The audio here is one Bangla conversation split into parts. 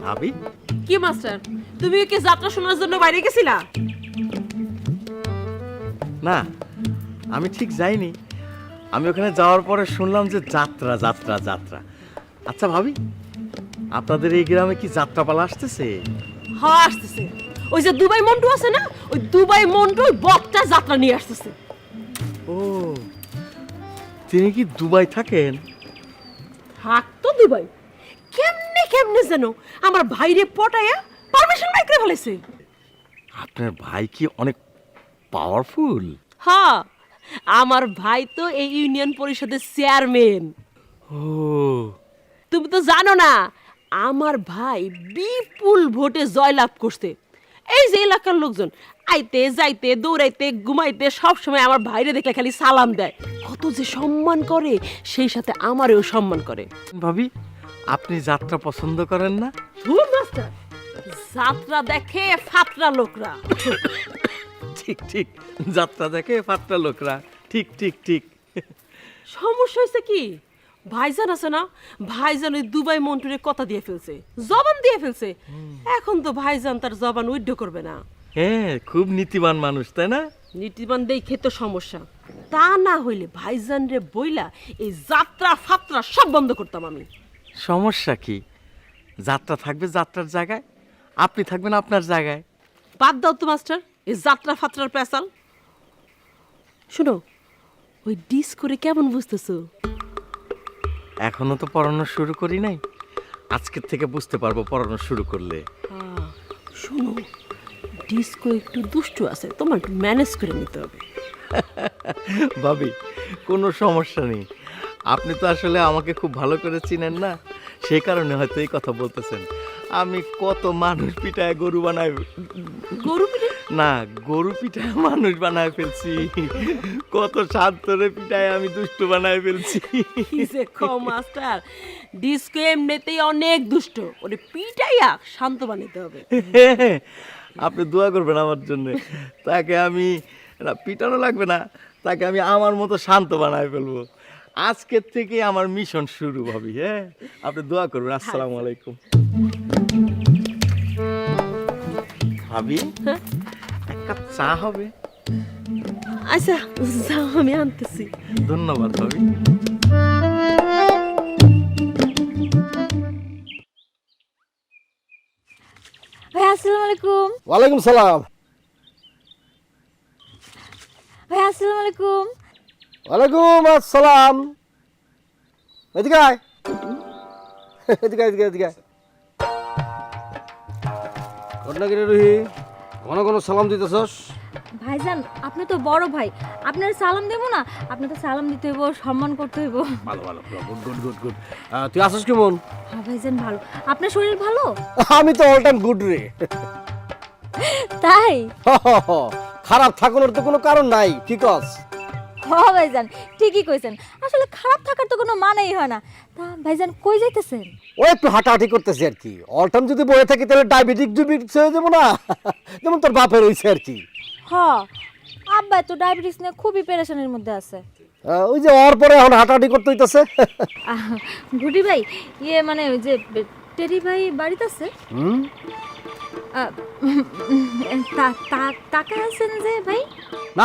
ভাবি কি মাস্টার, তুমি কি যাত্রা শোনার জন্য বাইরে গেছিলা? না, আমি ঠিক যাইনি। আমি ওখানে যাওয়ার পরে শুনলাম যে যাত্রা যাত্রা যাত্রা। আচ্ছা ভাবি, আপনাদের এই গ্রামে কি যাত্রাপালা আসতেছে? হ্যাঁ আসতেছে। ওই যে দুবাই মন্টু আছে না, ওই দুবাই মন্টু ওই বকটা যাত্রা নিয়ে আসতেছে। ও, তিনি কি দুবাই থাকেন? থাকতো দুবাই, কেমনে কেমনে যেন আমার ভাইরে পটায়া পারমিশন বাইক করে ফেলেছে। আপনার ভাই কি অনেক পাওয়ারফুল? হ্যাঁ, আমার ভাই তো এই ইউনিয়ন পরিষদের চেয়ারম্যান। ও, তুমি তো জানো না, আমার ভাই বিপুল ভোটে জয়লাভ করছে। এই যে এলাকার লোকজন আইতে যাইতে দৌড়াইতে ঘুমাইতে সব সময় আমার ভাইরে দেখলে খালি সালাম দেয়, কত যে সম্মান করে, সেই সাথে আমারেও সম্মান করে। ভাবি আপনি যাত্রা পছন্দ করেন না? ধুর মাস্টার, যাত্রা দেখে ফাতরা লোকরা। ঠিক ঠিক, যাত্রা দেখে ফাটটা লোকরা। ঠিক ঠিক ঠিক। সমস্যা হয়েছে কি, ভাইজান আছে না, ভাইজান ওই দুবাই মন্টুরে কথা দিয়ে ফেলছে, জবান দিয়ে ফেলছে। এখন তো ভাইজান তার জবান উইড্য করবে না। হ্যাঁ, খুব নীতিবান মানুষ, তাই না? নীতিবান দেখে তো সমস্যা, তা না হইলে ভাইজান রে বইলা এই যাত্রা ফাত্রা সব বন্ধ করতাম আমি। সমস্যা কি? যাত্রা থাকবে যাত্রার জায়গায়, আপনি থাকবেন আপনার জায়গায়। বাদ দাও তো মাস্টার এই যাত্রা ফাত্রার পেশাল। শোনো, ওই ডিস করে কেমন বুঝতেছো? এখনো তো পড়ানো শুরু করি নাই, আজকের থেকে বুঝতে পারবো পড়ানো শুরু করলে। শোনো, ডিস্কো একটু দুষ্টু আছে, তোমার একটু ম্যানেজ করে নিতে হবে। ভাবি কোনো সমস্যা নেই, আপনি তো আসলে আমাকে খুব ভালো করে চিনেন না, সেই কারণে হয়তো এই কথা বলতেছেন। আমি কত মানুষ পিঠায় গরু বানাই, গরু পিঠে? না, গরু পিঠায় মানুষ বানায় ফেলছি, কত শান্তরে পিঠায় আমি দুষ্টু বানায় ফেলছি। কি যে কও মাস্টার, ডিস্কো এমনিতেই অনেক দুষ্ট, ওরে পিটাইয়া শান্ত বানাতে হবে। আপনি দোয়া করবেন আমার জন্য, তাকে আমি না পিটানো লাগবে না, তাকে আমি আমার মতো শান্ত বানায় ফেলবো। আজকের থেকে আমার মিশন শুরু ভাবি। হ্যাঁ, আপনি দোয়া করবেন। আসসালামু আলাইকুম। ভাবি এক কাপ চা হবে? আচ্ছা যাও, আমি আনতেছি। ধন্যবাদ ভাবি। ভাই আসসালামু আলাইকুম। ওয়ালাইকুম সালাম। ভাই আসসালামু আলাইকুম। ওয়ালাইকুম আসসালাম। এদিকে আয়, এদিকে এদিকে এদিকে। ঘটনা কিরে রুহি, ঘন ঘন সালাম দিতেছস? ভাইজান আপনি তো বড় ভাই, আপনার সালাম দেবো না? আপনি তো সালাম দিতে হইব, সম্মান করতে হইব। ভালো ভালো, গুড গুড গুড গুড। তুই আসিস কেমন? হ্যাঁ ভাইজান ভালো। আপনার শরীর ভালো? আমি তো অল টাইম গুড রে। তাই? খারাপ থাকানোর তো কোনো কারণ নাই, কি কস? হ্যাঁ ভাইজান ঠিকই কইছেন, আসলে খারাপ থাকার তো কোনো মানেই হয় না। তা ভাইজান কই যাইতেছেন? ও একটু হাঁটাহাঁটি করতেছি আর কি। অল টাইম যদি বয়ে থাকি তাহলে ডায়াবেটিস হয়ে যাবো না, যেমন তোর বাপের হয়েছে আর কি। হ্যাঁ, আব্বা তো ডায়াবেটিস নিয়ে খুবই পেরেশানির মধ্যে আছে। ওই যে ওর পরে এখন হাঁটাহাঁটি করতে হইতেছে। গুডি ভাই, ইয়ে মানে ওই যে টেরি ভাই বাড়িতে আছে? টাকা আছেন যে ভাই? না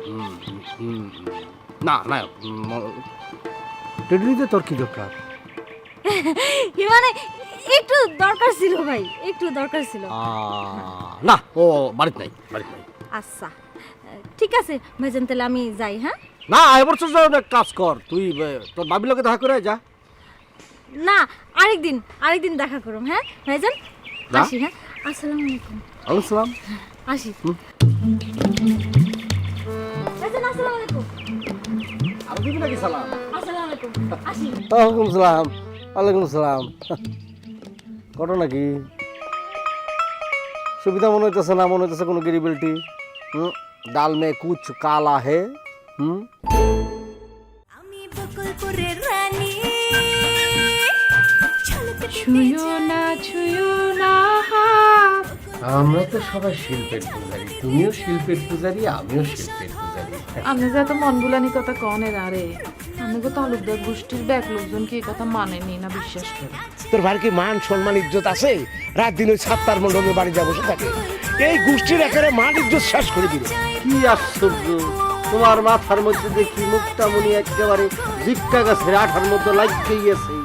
না না, টেডলিতে তোর কি দরকার? মানে একটু দরকার ছিল ভাই, একটু দরকার ছিল। না, ও বাড়িতে নাই, বাড়িতে নাই। আচ্ছা ঠিক আছে ভাইজান, তাহলে আমি যাই। হ্যাঁ না, এবার তো এক কাজ কর, তুই তোর বাবির লোকে দেখা করে যা। না, আরেকদিন দেখা করুম। হ্যাঁ ভাইজান, আসি। হ্যাঁ, আসসালামু আলাইকুম। আসসালাম। আসি ভাইজান, আসসালামু আলাইকুম। আর দিবি নাকি সালাম? আসসালামু আলাইকুম, আসি। ওয়ালাইকুম সালাম। ওয়ালাইকুম সালাম। ঘটনা কি? সুবিধা মনে হইতেছে না, মনে হইতেছে কোনো গিরিবিলিটি। ডাল মে কুছ কালা হে। আমি বকুলপুরের রানী, ছুঁয়ো না আমরা তো সবাই শিল্পের পূজারি, তুমিও শিল্পের পূজারি, আমিও শিল্পের পূজারি। আপনি যে এত মন বুলানি কথা কনের আরে আমি তো তালুকদার গোষ্ঠীর ব্যাক লোকজন কি এই কথা মানেনি না বিশ্বাস করে। তোর ভাইয়ের কি মান সম্মান ইজ্জত আছে? রাত দিন ওই সাত্তার মন্ডলের বাড়ি যা বসে থাকে, এই গোষ্ঠীর একেবারে মান ইজ্জত শেষ করে দিল। কি আশ্চর্য, তোমার মাথার মধ্যে দেখি মুক্তামণি একেবারে ভিক্ষা গাছের আঠার মতো লাগিয়ে গেছে।